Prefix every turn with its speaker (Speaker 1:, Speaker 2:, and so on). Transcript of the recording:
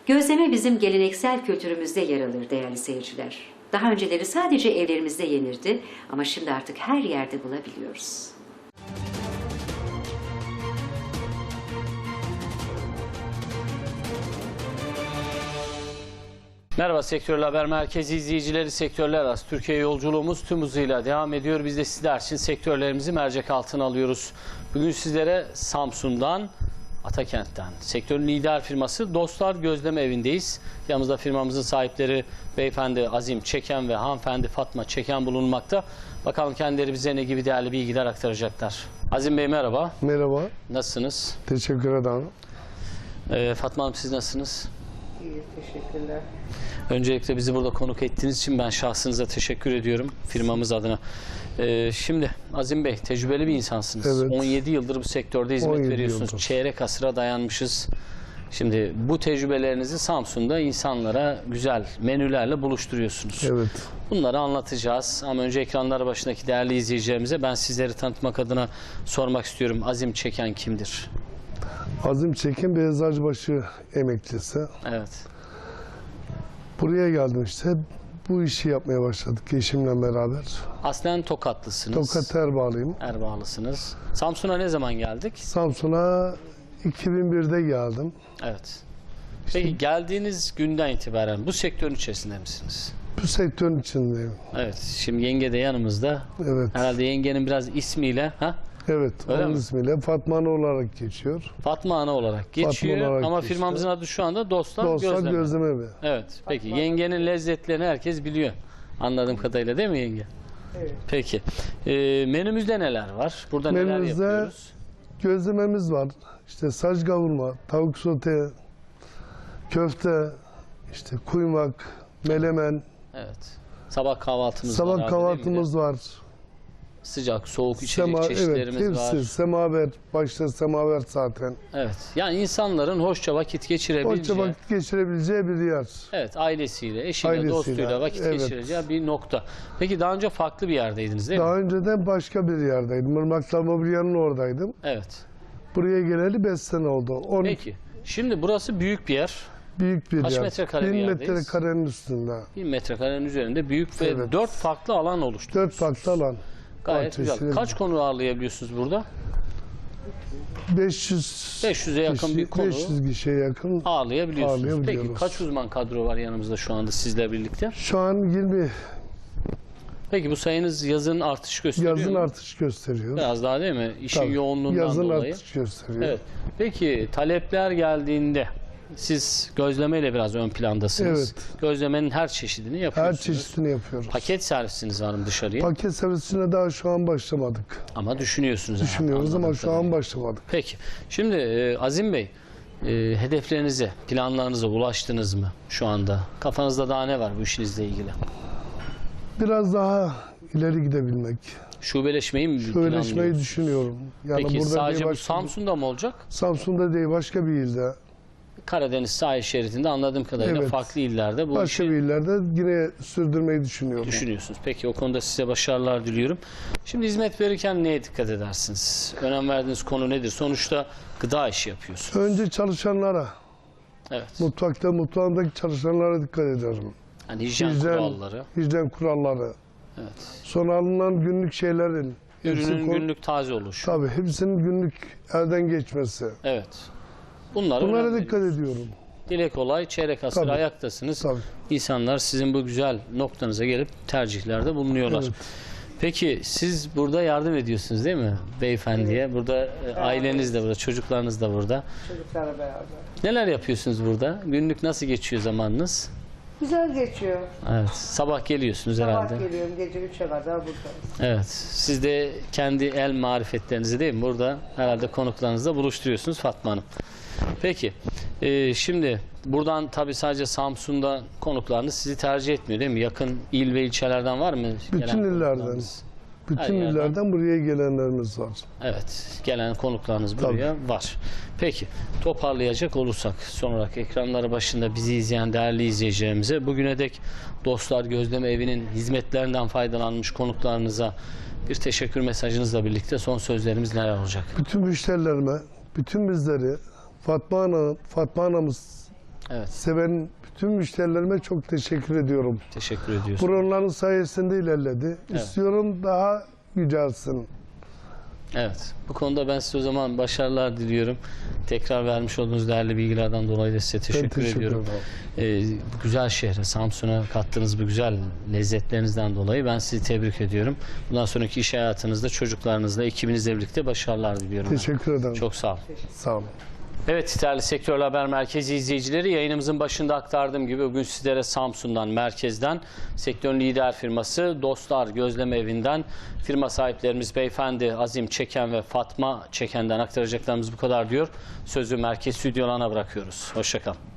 Speaker 1: Gözleme bizim geleneksel kültürümüzde yer alır değerli seyirciler. Daha önceleri sadece evlerimizde yenirdi ama şimdi artık her yerde bulabiliyoruz.
Speaker 2: Merhaba Sektörel Haber Merkezi izleyicileri, sektörler arası Türkiye yolculuğumuz tüm hızıyla devam ediyor. Biz de sizler için sektörlerimizi mercek altına alıyoruz. Bugün sizlere Samsun'dan, Atakent'ten, sektörün lider firması Dostlar Gözleme Evi'ndeyiz. Yanımızda firmamızın sahipleri beyefendi Azim Çeken ve hanımefendi Fatma Çeken bulunmakta. Bakalım kendileri bize ne gibi değerli bilgiler aktaracaklar. Azim Bey merhaba.
Speaker 3: Merhaba.
Speaker 2: Nasılsınız?
Speaker 3: Teşekkür ederim.
Speaker 2: Fatma Hanım siz nasılsınız?
Speaker 4: İyi, teşekkürler.
Speaker 2: Öncelikle bizi burada konuk ettiğiniz için ben şahsınıza teşekkür ediyorum firmamız adına. Şimdi Azim Bey tecrübeli bir insansınız.
Speaker 3: Evet.
Speaker 2: 17 yıldır bu sektörde hizmet
Speaker 3: 17
Speaker 2: veriyorsunuz.
Speaker 3: yıldır.
Speaker 2: Çeyrek asıra dayanmışız. Şimdi bu tecrübelerinizi Samsun'da insanlara güzel menülerle buluşturuyorsunuz.
Speaker 3: Evet.
Speaker 2: Bunları anlatacağız ama önce ekranlar başındaki değerli izleyicilerimize ben sizleri tanıtmak adına sormak istiyorum. Azim Çeken kimdir?
Speaker 3: Azim Çekin bir Eczacıbaşı emeklisi.
Speaker 2: Evet.
Speaker 3: Buraya geldim işte. Bu işi yapmaya başladık eşimle beraber.
Speaker 2: Aslen Tokatlısınız.
Speaker 3: Tokat Erbağlıyım.
Speaker 2: Erbağlısınız. Samsun'a ne zaman geldik?
Speaker 3: Samsun'a 2001'de geldim.
Speaker 2: Evet. Peki geldiğiniz günden itibaren bu sektörün içerisinde misiniz?
Speaker 3: Bu sektörün içindeyim.
Speaker 2: Evet. Şimdi yenge de yanımızda.
Speaker 3: Evet.
Speaker 2: Herhalde yengenin biraz ismiyle
Speaker 3: Evet.
Speaker 2: Öyle
Speaker 3: onun
Speaker 2: mi?
Speaker 3: ismiyle Fatma Ana olarak geçiyor.
Speaker 2: Fatma Ana olarak geçiyor
Speaker 3: olarak
Speaker 2: ama
Speaker 3: geçiyor.
Speaker 2: firmamızın adı şu anda Dostlar
Speaker 3: Dostlar
Speaker 2: Gözleme.
Speaker 3: Gözleme Evi.
Speaker 2: Evet. Peki yengenin lezzetlerini herkes biliyor. Anladığım kadarıyla değil mi yenge?
Speaker 4: Evet.
Speaker 2: Peki. Menümüzde neler var? Burada neler
Speaker 3: Menümüzde
Speaker 2: yapıyoruz?
Speaker 3: gözlememiz var. İşte saç kavurma, tavuk sote, köfte, işte kuymak, melemen,
Speaker 2: Evet. Sabah kahvaltımız var.
Speaker 3: sabah
Speaker 2: abi, değil mi?
Speaker 3: kahvaltımız var.
Speaker 2: Sıcak, soğuk içecek
Speaker 3: Evet,
Speaker 2: çeşitlerimiz var.
Speaker 3: hepsi semaver, başta semaver zaten.
Speaker 2: Evet. Yani insanların hoşça vakit geçirebileceği.
Speaker 3: Hoşça vakit geçirebileceği bir yer.
Speaker 2: Evet, ailesiyle, eşiyle,
Speaker 3: Ailesiyle,
Speaker 2: dostuyla vakit
Speaker 3: evet.
Speaker 2: geçireceği bir nokta. Peki daha önce farklı bir yerdeydiniz değil mi?
Speaker 3: Daha önceden başka bir yerdeydim. Irmaklar Mobilya'nın oradaydım.
Speaker 2: Evet.
Speaker 3: Buraya geleli 5 sene oldu. 12
Speaker 2: Peki. Şimdi burası büyük bir yer.
Speaker 3: büyük bir
Speaker 2: Kaç
Speaker 3: yer.
Speaker 2: metrekare bir
Speaker 3: 1000
Speaker 2: yerdeyiz?
Speaker 3: metrekarenin üstünde.
Speaker 2: 1000 metrekarenin üzerinde büyük ve
Speaker 3: Evet.
Speaker 2: 4 farklı alan oluşturuyor.
Speaker 3: 4 farklı alan.
Speaker 2: Gayet güzel.
Speaker 3: Bahçesi.
Speaker 2: Kaç konu ağırlayabiliyorsunuz burada? 500'e yakın bir konu
Speaker 3: 500 kişiye yakın.
Speaker 2: ağırlayabiliyorsunuz. Peki
Speaker 3: Ağırlayabiliyoruz.
Speaker 2: kaç uzman kadro var yanımızda şu anda sizle birlikte?
Speaker 3: Şu an 20
Speaker 2: Peki bu sayınız yazın artış gösteriyor
Speaker 3: yazın
Speaker 2: mu?
Speaker 3: artış gösteriyor.
Speaker 2: Biraz daha değil mi? İşin
Speaker 3: Tabii,
Speaker 2: yoğunluğundan
Speaker 3: yazın
Speaker 2: dolayı.
Speaker 3: artış gösteriyor.
Speaker 2: Evet. Peki talepler geldiğinde siz gözlemeyle biraz ön plandasınız.
Speaker 3: Evet.
Speaker 2: Gözlemenin her çeşidini
Speaker 3: Her
Speaker 2: yapıyorsunuz.
Speaker 3: çeşitini yapıyoruz.
Speaker 2: Paket servisiniz var mı dışarıya?
Speaker 3: Paket servisine daha şu an başlamadık.
Speaker 2: Ama düşünüyorsunuz. herhalde,
Speaker 3: Düşünüyoruz ama
Speaker 2: anladığım
Speaker 3: şu an
Speaker 2: kadarıyla.
Speaker 3: başlamadık.
Speaker 2: Peki. Şimdi Azim Bey, hedeflerinize, planlarınıza ulaştınız mı şu anda? Kafanızda daha ne var bu işinizle ilgili?
Speaker 3: Biraz daha ileri gidebilmek.
Speaker 2: Şubeleşmeyi mi
Speaker 3: Şöyle
Speaker 2: planlıyorsunuz?
Speaker 3: düşünüyorum. Yani
Speaker 2: Peki
Speaker 3: burada
Speaker 2: sadece
Speaker 3: değil,
Speaker 2: bu
Speaker 3: başka
Speaker 2: Samsun'da mı olacak?
Speaker 3: Samsun'da değil başka bir ilde.
Speaker 2: Karadeniz sahil şeridinde anladığım kadarıyla
Speaker 3: Evet.
Speaker 2: farklı illerde bu
Speaker 3: Başka
Speaker 2: işi
Speaker 3: bir illerde yine sürdürmeyi düşünüyorum.
Speaker 2: düşünüyorsunuz. Peki o konuda size başarılar diliyorum. Şimdi hizmet verirken neye dikkat edersiniz? Önem verdiğiniz konu nedir? Sonuçta gıda işi yapıyorsunuz.
Speaker 3: Önce çalışanlara,
Speaker 2: Evet.
Speaker 3: mutfağımdaki çalışanlara dikkat ederim.
Speaker 2: Yani hijyen kuralları.
Speaker 3: Hijyen kuralları.
Speaker 2: Evet.
Speaker 3: Sonra alınan günlük şeylerin.
Speaker 2: Ürünün günlük taze oluşu.
Speaker 3: Tabii hepsinin günlük elden geçmesi.
Speaker 2: Evet. Bunlara
Speaker 3: Bunlara dikkat ediyorum.
Speaker 2: Dile kolay, çeyrek asır
Speaker 3: Tabii.
Speaker 2: ayaktasınız.
Speaker 3: Tabii.
Speaker 2: İnsanlar sizin bu güzel noktanıza gelip tercihlerde bulunuyorlar.
Speaker 3: Evet.
Speaker 2: Peki siz burada yardım ediyorsunuz değil mi beyefendiye? Burada aileniz de burada, çocuklarınız da burada.
Speaker 4: Çocuklarla beraber.
Speaker 2: Neler yapıyorsunuz burada? Günlük nasıl geçiyor zamanınız?
Speaker 4: Güzel geçiyor.
Speaker 2: Evet. Sabah geliyorsunuz herhalde.
Speaker 4: Sabah geliyorum, gece 3'e kadar buradayım.
Speaker 2: Evet. Siz de kendi el marifetlerinizi değil mi? Burada herhalde konuklarınızla buluşturuyorsunuz Fatma Hanım. Peki. Şimdi buradan tabii sadece Samsun'da konuklarınız sizi tercih etmiyor değil mi? Yakın il ve ilçelerden var mı?
Speaker 3: Bütün
Speaker 2: gelen
Speaker 3: illerden.
Speaker 2: konuklarınız?
Speaker 3: Bütün
Speaker 2: Her yerden.
Speaker 3: illerden buraya gelenlerimiz var.
Speaker 2: Evet. Gelen konuklarınız buraya var. Peki. Toparlayacak olursak son olarak ekranları başında bizi izleyen değerli izleyicilerimize bugüne dek Dostlar Gözleme Evi'nin hizmetlerinden faydalanmış konuklarınıza bir teşekkür mesajınızla birlikte son sözlerimiz neler olacak?
Speaker 3: Bütün müşterilerime, bütün bizleri Fatma anamız
Speaker 2: Evet.
Speaker 3: Size ben bütün müşterilerime çok teşekkür ediyorum.
Speaker 2: Teşekkür ediyoruz.
Speaker 3: Onların sayesinde ilerledi.
Speaker 2: Evet.
Speaker 3: İstiyorum daha yücelsin.
Speaker 2: Evet. Bu konuda ben size o zaman başarılar diliyorum. Tekrar vermiş olduğunuz değerli bilgilerden dolayı da size teşekkür ediyorum. Bu güzel şehre, Samsun'a kattığınız bu güzel lezzetlerinizden dolayı ben sizi tebrik ediyorum. Bundan sonraki iş hayatınızda çocuklarınızla, ekibinizle birlikte başarılar diliyorum.
Speaker 3: Teşekkür ederim.
Speaker 2: Çok sağ olun.
Speaker 3: Sağ olun.
Speaker 2: Evet, değerli Sektörler Haber Merkezi izleyicileri, yayınımızın başında aktardığım gibi bugün sizlere Samsun'dan, merkezden, sektörün lider firması Dostlar Gözleme Evi'nden firma sahiplerimiz beyefendi Azim Çeken ve Fatma Çeken'den aktaracaklarımız bu kadar diyor. Sözü merkez stüdyolarına bırakıyoruz. Hoşça kalın.